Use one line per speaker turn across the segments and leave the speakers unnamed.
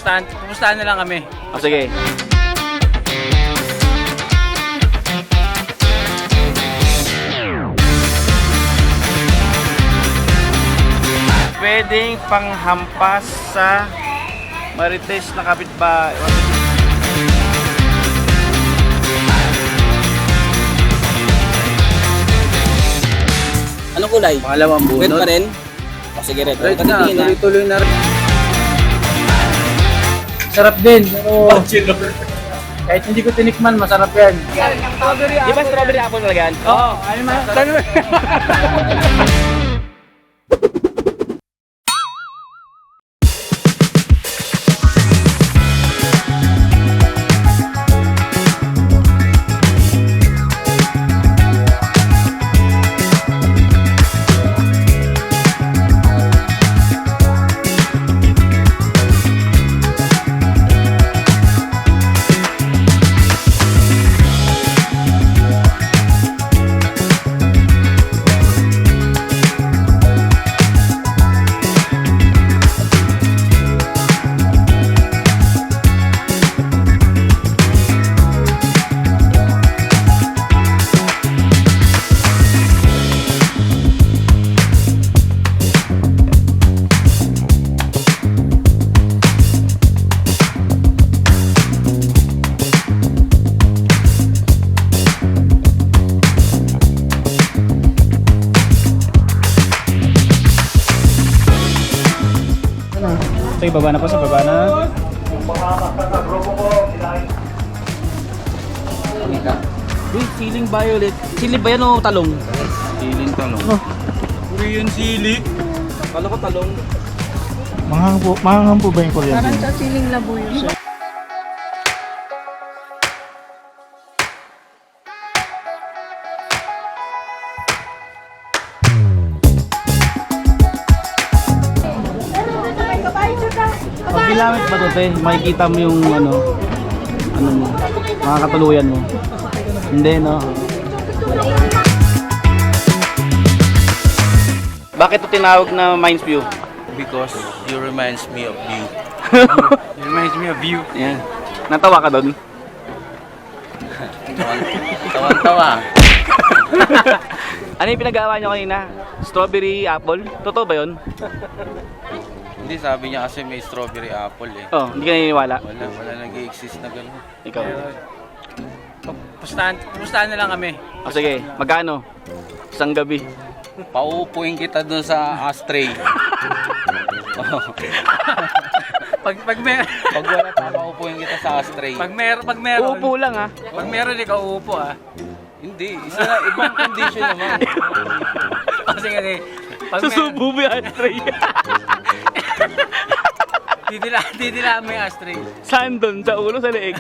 Pupustahan na lang kami.
O sige. Pwedeng panghampas sa Marites na kapitbahay.
Anong kulay?
Pangalawang bunot.
Red pa rin? O sige, red.
Red na,
Patitingin na.
tuloy-tuloy na rin.
Sarap din, pero kahit hindi ko tinikman, masarap yan.
Di ba strawberry apple talaga yan?
Oo, ano man.
Ito, baba na po sa baba na.
Uy, siling violet. Sili ba yan o talong?
Siling talong. Korean sili.
Kala ko talong.
Manghang po ba yung Korean?
Parang sa siling labuyo siya.
Pag ginamit ba ito, te, makikita mo yung ano mo, mga katuluyan mo. Hindi, no? Bakit ito tinawag na Mines View?
Because you reminds me of you.
It reminds me of you.
Yan. Natawa ka doon?
Tawan-tawa.
Ano yung pinagawa nyo kanina? Strawberry apple? Totoo ba yun?
Hindi, sabi niya kasi may strawberry apple eh.
Oh, hindi ka naniniwala.
Wala nag-i-exist na gano'n.
Ikaw.
Pupustahan na lang kami.
O sige, magkano? Isang gabi.
Pauupuin kita dun sa ashtray.
Pag meron,
Pag wala pa, pauupuin kita sa ashtray.
pag meron,
Uupo lang ha.
Pag meron, ikaw uupo ah.
Hindi, isa na, ibang condition naman.
Kasi kasi, pag
Susubo mo yung ashtray.
didilaan mo yung ashtray.
Saan doon? Sa ulo, sa leeg?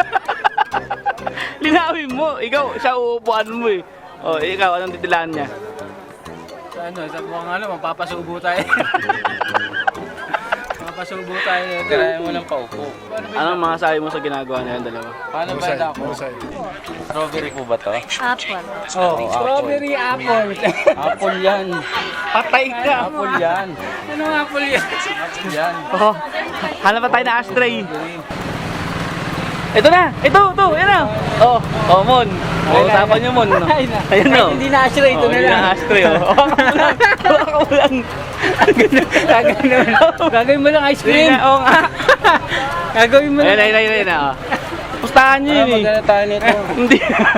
Linawin mo. Ikaw, siya uupuan mo eh. O, ikaw, anong titilaan niya?
Sa buwang mapapasubo tayo. Mapapasubo tayo.
Tirayan mo ng paupo.
Anong mga sabi mo sa ginagawa na yan, dalawa?
Paano ba yun ako? Strawberry po ba to?
Apple.
Oh,
Strawberry apple.
Apple yan.
Patay ka!
Apple yan.
Anong apple yan?
Apple yan.
Oh, hanap pa tayo na ashtray. Ito na! Ito! Yan na! Oh, Mon. Usapan niyo, Mon. No? Ayan no.
Hindi na ashtray, ito na
Hindi
lang.
na ashtray, oh. Hawakan mo lang.
Gagawin mo lang ice cream.
Oo nga.
Gagawin mo lang.
Ayun na. Oh. Pustahan niyo yun eh.
Maganda tayo nito.
Hindi.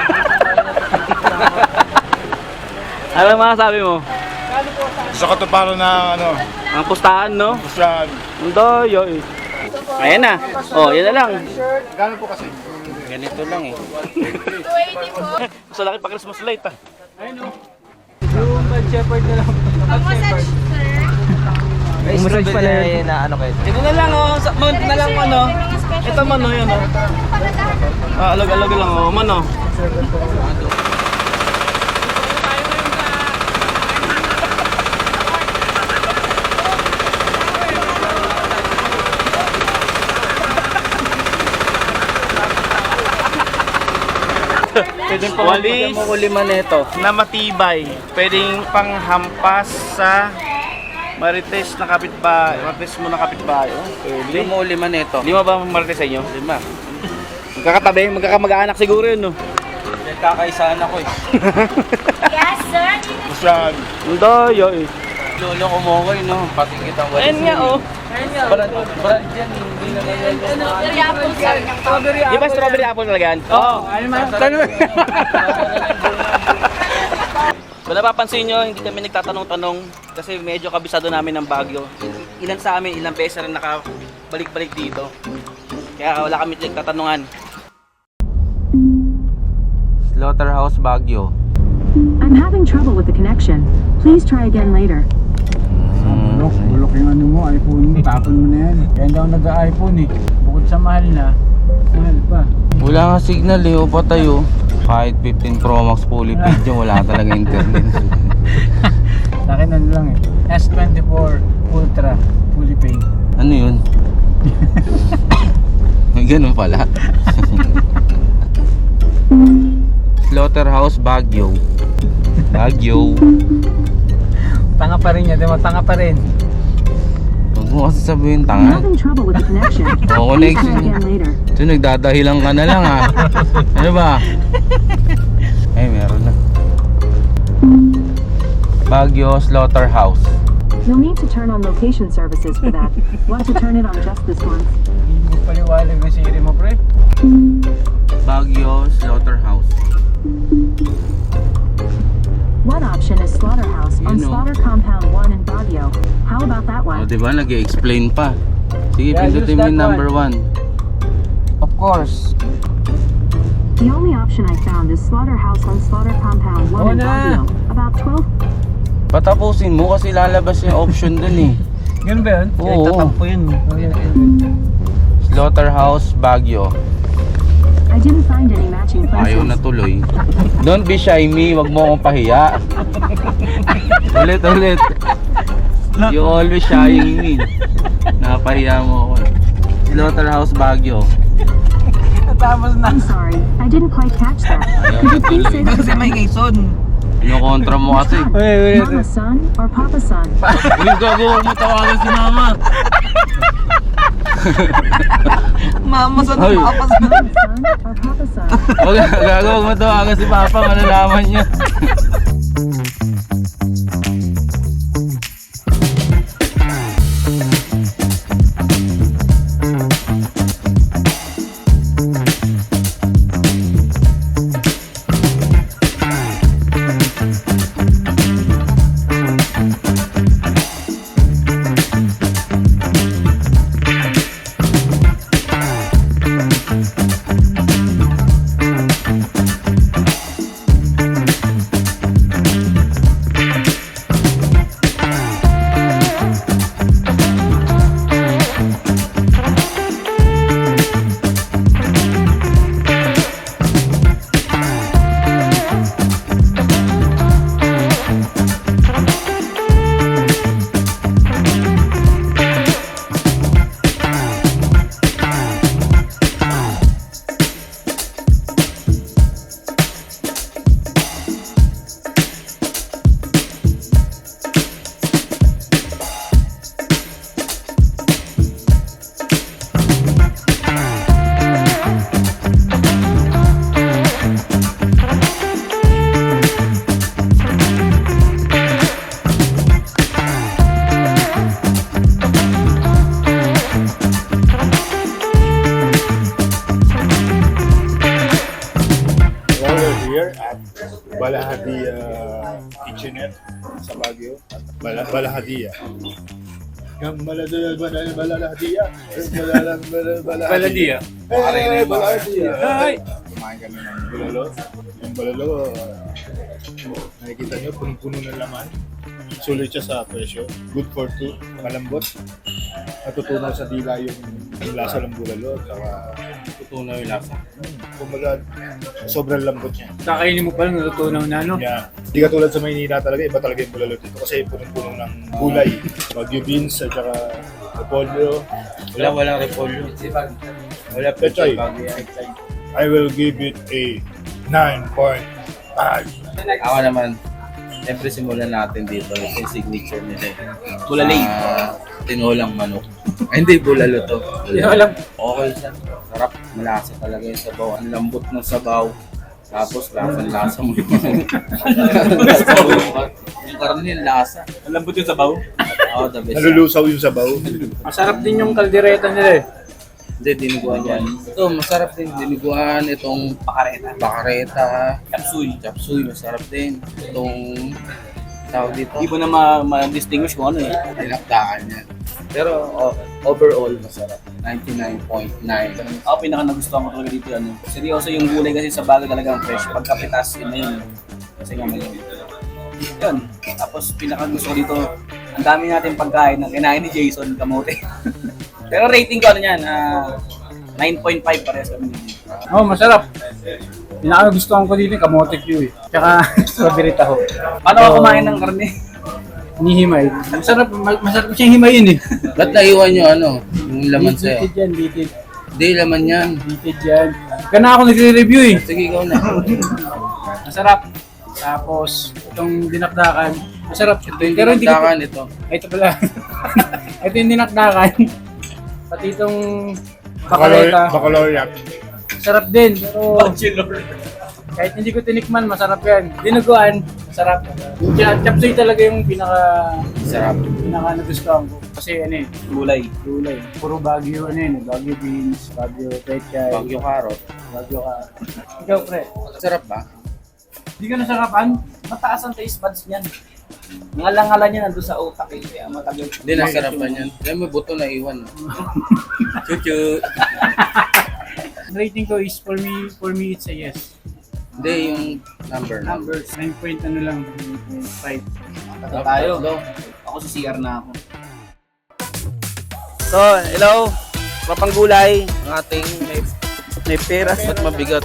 Ano masasabi mo?
Sa katuparan na ano,
Ang pustahan, no?
sa
Ang doyo eh. Ayan na. Oh, yan na lang.
gano'n po kasi?
Ganito lang eh.
Sa laki pa Christmas light ah.
Yung bad shepherd na lang.
Pag-massage, sir.
Massage pala yun na ano kayo.
Ito na lang oh. Ito na lang ano. Ito man oh, yun oh. Alag-alag lang oh. Man oh.
Pwedeng
Walis
mo lima nito.
na matibay. Pwedeng panghampas sa Marites na kapitbahay. Marites mo na kapitbahay. Oh.
Hindi mo 5 nito.
5 ba marites sa inyo?
5.
Magkakatabi, magkakamag-anak siguro yun, no?
Nagkakaisaan ako eh.
Yes, sir.
Masyad.
Ang daya eh.
Lolo ko mo ko no? Pati kitang walis.
Ayun nga, oh.
Brand yan, hindi na
Strawberry apple, sir.
Di ba strawberry apple talaga yan?
Oo, ano man.
Kung napapansin nyo, hindi kami nagtatanong-tanong kasi medyo kabisado namin ng Baguio. Ilan sa amin, ilang beses rin nakabalik-balik dito. Kaya wala kami nagtatanungan.
Slaughterhouse Baguio.
I'm having trouble with the connection. Please try again later.
Bulok yung ano mo, iPhone mo, tapon mo na yan. Kaya hindi ako nag-iPhone eh. Bukod sa mahal na, mahal pa.
Wala nga signal eh, o patay oh. Kahit 15 Pro Max fully paid yung wala talaga internet.
Sa akin ano lang eh. S24 Ultra fully paid.
Ano yun? May ganun pala. Slaughterhouse Baguio. Baguio.
Tanga pa rin yan, di ba? Tanga pa rin.
Huwag mo kasi sabihin
I'm
tanga.
having trouble with the connection.
Oo,
Please
connection.
try again later.
So nagdadahilan ka na lang ha. Ano ba? Ay, meron na. Baguio Slaughterhouse.
You'll need to turn on location services for that. Want to turn it on just this once?
Hindi mo paliwalag na Siri mo, pre.
Baguio Slaughterhouse.
One option is Slaughterhouse on
You know.
Slaughter Compound 1 in Baguio. How about that
O
one?
diba, nag-explain pa. Sige,
Yeah,
pindutin
use
mo
that
yung number 1.
Of course.
The only option I found is Slaughterhouse on Slaughter Compound 1
Oh,
in
na.
Baguio. About 12.
Patapusin mo kasi lalabas yung option dun eh.
Ganun ba yun?
Oo.
Tatampo yun.
Slaughterhouse Baguio.
I didn't find any matching
Ayaw na
places.
tuloy. Don't be shy me, wag mo akong pahiya. Ulit. You always shying me. Napahiya mo ako. Slaughterhouse Baguio.
Tapos na.
I'm sorry, I didn't quite catch that.
Ayaw
Could
na
you please
tuloy.
say that again?
Kinukontra mo kasi.
Mama son or Papa son?
Uy, gago, huwag mo tawagan si mama.
Mama sa
Ay.
Mama son or Papa son?
Gago, huwag mo tawagan si papa, malalaman niya.
Here at Balahadia Kitchenette sa Baguio. Balahadia. Yung Balahadia. Balahadia. Balahadia. Kumain kami ng bulalo. Yung bulalo, nakikita nyo, punong-puno ng laman. Sulit siya sa presyo. Good for two. Malambot. Natutunaw sa dila yung lasa ng bulalo. Saka
Tutunaw yung lasa.
kumbaga, sobrang lambot niya.
Kakainin mo pa lang, natutunaw na, no?
Yeah. Hindi katulad sa Maynila talaga, iba talaga yung bulalo dito kasi punong-puno ng gulay. Baguio beans at saka repolyo.
Walang repolyo. Wala
Pechay. I will give it a 9.5.
Ako naman, Siyempre simulan natin dito. Ito yung signature nila.
Bulalay.
Tinolang manok. Ay, hindi, bulalo to.
Tinolang.
Okay siya. Sarap. Malasa talaga yung sabaw. Ang lambot ng sabaw. Tapos lasa mo. Yung karne, lasa.
Ang lambot yung sabaw.
Oh, the best.
Nalulusaw yung sabaw.
Masarap din yung kaldereta nila eh.
Hindi, diniguan yan. Ito, masarap din. Diniguan. Itong bakareta. Chapsuy, masarap din. Itong tawag dito.
Hindi mo na ma-distinguish kung ano eh.
Dinakdakan yan. Pero overall, masarap. 99.9.
Ako pinaka nagustuhan ko talaga dito ano. Seryoso yung gulay kasi sa bago talagang fresh. Pagkapitas, yun na yun. Kasi nga may yun. Tapos pinaka gusto ko dito, ang dami natin pagkain na kinain ni Jason Kamote. Pero rating ko ano yan, 9.5 parehas kami.
Oh, masarap. Pinakagustuhan ko dito yung kamote Q eh. Tsaka strawberry taho.
Paano ka kumain ng karne?
Hinihimay. Masarap siyang himayin eh.
Ba't naiwan nyo ano? Yung laman sa'yo?
Bitit yan, bitit.
Hindi, laman yan.
Bitit yan. Gana ako nagre-review eh.
Sige, ikaw na.
Masarap. Tapos, itong dinakdakan. Masarap.
Ito yung
Pero hindi ko-
dinakdakan ito.
Ay, ito pala. Ito yung dinakdakan. Pati itong bakaleta.
Baccalaureate.
Masarap din. Pero kahit hindi ko tinikman, masarap yan. Dinuguan, masarap. Yung chapsuy talaga yung
Sarap.
pinaka nagustuhan ko. Kasi ano eh,
Gulay.
gulay. Puro Baguio ano yun, Baguio beans, Baguio pechay,
Bagyo karot.
Baguio ka. Ikaw pre,
Sarap ba?
hindi ka nasarapan?
Mataas ang taste buds niyan. Ngalangalan niya nandun sa utak eh. Kaya matagal.
Hindi, nasarapan yan. Kaya may buto na iwan. Chuchu.
Rating ko is for me it's a yes.
Hindi, yung number.
Numbers, 9 point ano lang, 9.5.
Tayo. Ako sa CR na ako. So, hello. Papanggulay. Ang ating may pera.
Ba't mabigat?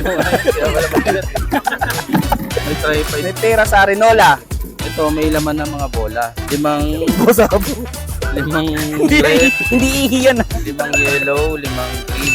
May tripod.
May pera sa Arenola.
Ito, may laman ng mga bola. 5
Hindi
red,
hindi ihiyan.
5 yellow, 5 green.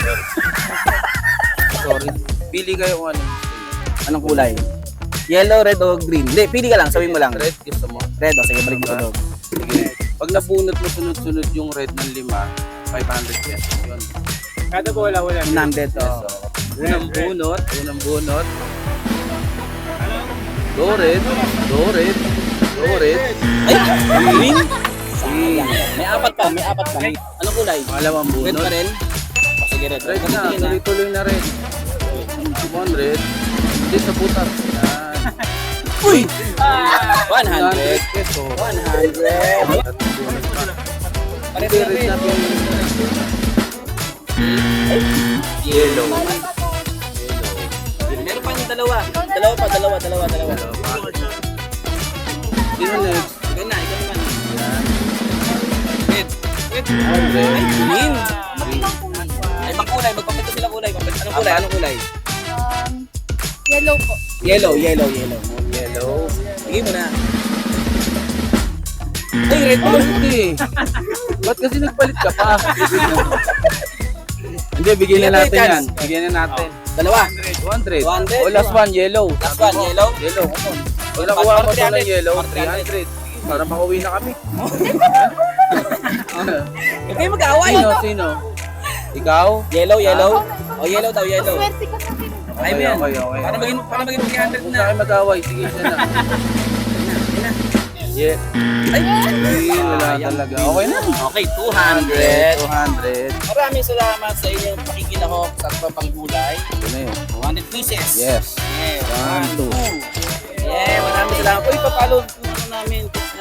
Sorry. Pili kayo kung ano.
Anong kulay? Yellow, red o green? Hindi, pili ka lang. Sabihin mo lang.
Red, gusto mo.
Red o sige, balik mo sa loob.
Sige. Pag nabunot mo sunod-sunod yung red ng 5, 500 pesos yun.
Kada bola, wala.
Nandito.
So, unang bunot. Go red.
Ay! Green? Sayang. May apat pa. Anong kulay?
Pangalawang
Red
bunot.
pa rin? O sige, red.
Red na,
Tingin na.
tuloy-tuloy na red. 100. Hindi sa butas. Yan.
Uy!
100
100.
peso.
100. Pares
Hindi
na
red
rin.
na yung yellow.
Meron pa yung dalawa. Dalawa.
Sino next?
Ikaw naman. Red. Ay,
100.
green. Ay, kulay. Magpapito sila kulay. Anong kulay?
Yellow po.
Yellow.
Yellow.
Sige mo na. Ay, red
Oh, hindi. Ba't kasi nagpalit ka pa? Hindi, bigyan na natin yan. Bigyan na natin.
Dalawa.
200.
200.
Oh, last one, yellow.
Last one, yellow?
Yellow, come on. Pag nakuha mo ito ng yellow, 300. Para makauwi na kami.
Huwag kayo mag-away.
Sino? Ikaw?
Yellow. O, yellow daw, yellow.
Swerte ka sa
Ay mo yan.
Okay.
Para maging 300
Huwag
na.
na kayo mag-away. Sige, isa na. Yeah.
Ay,
Wala talaga. Okay na.
Okay, 200.
200.
Maraming salamat sa inyong pakikilahok sa papanggulay.
Ito na yun.
200 pieces.
Yes.
Yeah,
1, 2.
Yeah, maraming salamat. Uy, papalo namin